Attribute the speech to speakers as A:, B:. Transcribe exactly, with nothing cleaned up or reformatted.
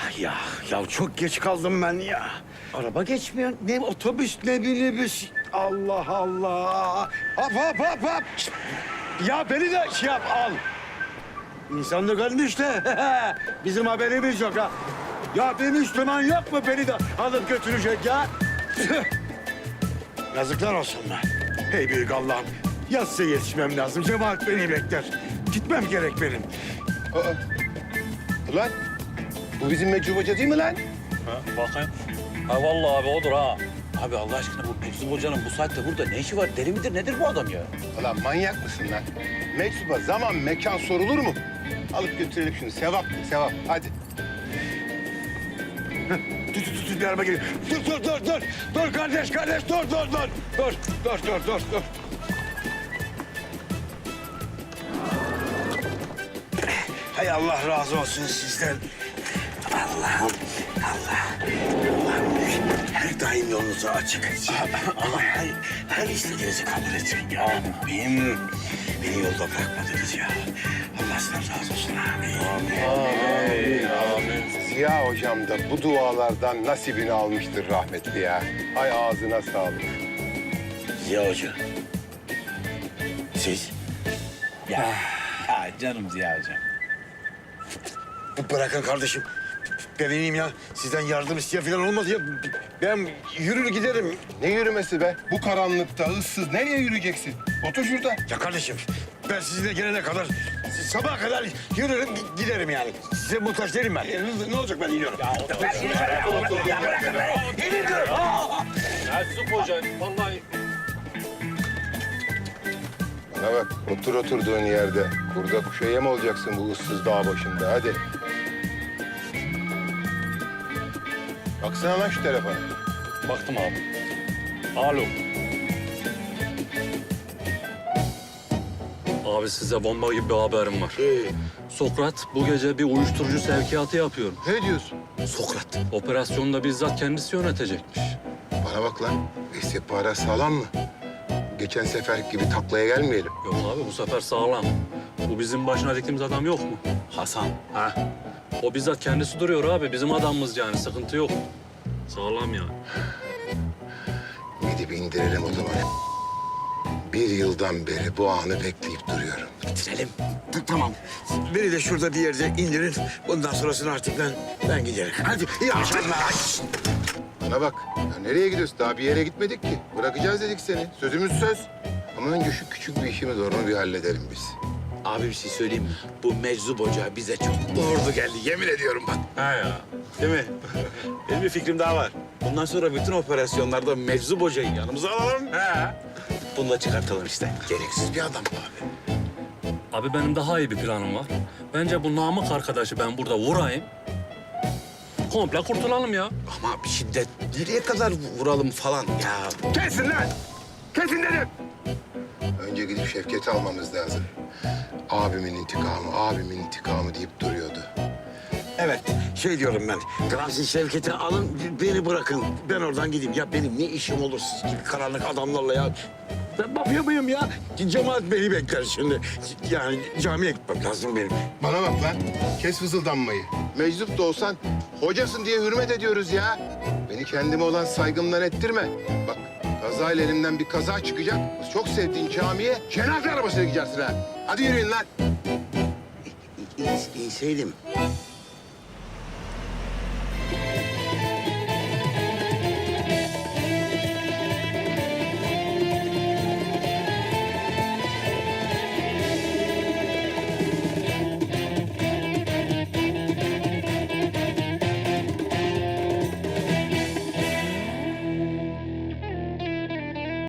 A: Ya, ya çok geç kaldım ben ya. Araba geçmiyor. Ne otobüs ne minibüs. Allah Allah. Hop hop hop hop. Şişt. Ya beni de şey yap al. İnsanlık ölmüş de bizim haberimiz yok ha. Ya bir Müslüman yok mu beni de alıp götürecek ya? Yazıklar olsun be. Hey büyük Allah'ım. Yatsıya yetişmem lazım. Cemaat beni bekler. Gitmem gerek benim.
B: Aa. Ulan bu bizim Mecnun Hoca değil mi lan?
C: Ha, bakayım. Ha vallahi abi odur ha. Abi Allah aşkına bu Meczup Hoca'nın bu saatte burada ne işi var? Deli midir nedir bu adam ya?
B: Ulan manyak mısın lan? Meczuba zaman mekan sorulur mu? Alıp götürelim şunu. Sevap sevap. Hadi.
A: Dur dur dur bir araba geliyor. Dur dur dur dur. Dur kardeş kardeş dur dur dur. Dur dur dur dur dur. Hay Allah razı olsun sizden. Allah'ım Allah. Allah'ım her daim yolunuzu açık etsin. Allah her, her istediğinizi kabul etsin ya. Benim, beni yolda bırakmadınız ya. Allah sizden razı olsun. Amin.
B: Amin. Amin. Ziya hocam da bu dualardan nasibini almıştır rahmetli ya. Hay ağzına sağlık.
A: Ziya Hoca. Siz?
C: Ya, ya canım Ziya Hocam.
A: Bırakın kardeşim. Ben ineyim ya. Sizden yardım isteyen falan olmaz ya. Ben yürür giderim.
B: Ne yürümesi be? Bu karanlıkta ıssız nereye yürüyeceksin? Otur şurada.
A: Ya kardeşim ben sizinle gelene kadar sabaha kadar yürürüm giderim yani. Size muhtaç değilim ben. Ne olacak ben iniyorum. Ya otur. Ben iniyorum. Ya bırakın beni. İniyorum.
C: Meczup Hoca vallahi.
B: Bana bak otur oturduğun yerde. Kurda kuşa yem olacaksın bu ıssız dağ başında. Hadi. Baksana lan şu telefona.
C: Baktım abi. Alo. Abi size bomba gibi bir haberim var.
A: Ee,
C: Sokrat bu gece bir uyuşturucu sevkiyatı yapıyor.
B: Ne diyorsun?
A: Sokrat.
C: Operasyonda bizzat kendisi yönetecekmiş.
B: Bana bak lan. İstihbarat sağlam mı? Geçen sefer gibi taklaya gelmeyelim.
C: Yok abi bu sefer sağlam. Bu bizim başına diktiğimiz adam yok mu? Hasan. Ha. O bizzat kendisi duruyor abi. Bizim adamımız yani. Sıkıntı yok. Sağlam yani.
B: Gidip indirelim o zaman. Bir yıldan beri bu anı bekleyip duruyorum.
A: Bitirelim. T- Tamam. Beni de şurada bir yerde indirin. Bundan sonrasını artık ben ben giderim. Hadi iyi akşamlar.
B: Bana bak. Ya nereye gidiyorsun? Daha bir yere gitmedik ki. Bırakacağız dedik seni. Sözümüz söz. Ama önce şu küçük bir işimiz var. Onu bir halledelim biz.
D: Abi bir şey söyleyeyim mi? Bu Meczup Hoca bize çok doğru geldi. Yemin ediyorum bak.
C: Ha ya.
D: Değil mi? Benim bir fikrim daha var. Bundan sonra bütün operasyonlarda Meczup Hoca'yı yanımıza alalım.
C: He.
D: Bunu da çıkartalım işte. Gereksiz bir adam abi.
C: Abi benim daha iyi bir planım var. Bence bu Namık arkadaşı ben burada vurayım. Komple kurtulalım ya.
D: Ama bir şiddet nereye kadar vuralım falan ya.
B: Kesin lan! Kesin dedim! Önce gidip Şevket'i almamız lazım. Abimin intikamı, abimin intikamı deyip duruyordu.
A: Evet, şey diyorum ben. Gazi Şevket'i alın, beni bırakın. Ben oradan gideyim. Ya benim ne işim olur siz gibi karanlık adamlarla ya? Ben mafya mıyım ya? Cemaat beni bekler şimdi. Yani camiye gitmem lazım benim.
B: Bana bak lan. Kes fızıldanmayı. Meczup da olsan hocasın diye hürmet ediyoruz ya. Beni kendime olan saygımdan ettirme. Bak kazayla elimden bir kaza çıkacak. Çok sevdiğin camiye cenaze arabasıyla gidersin ha. Hadi yürüyün lan.
A: İnseydim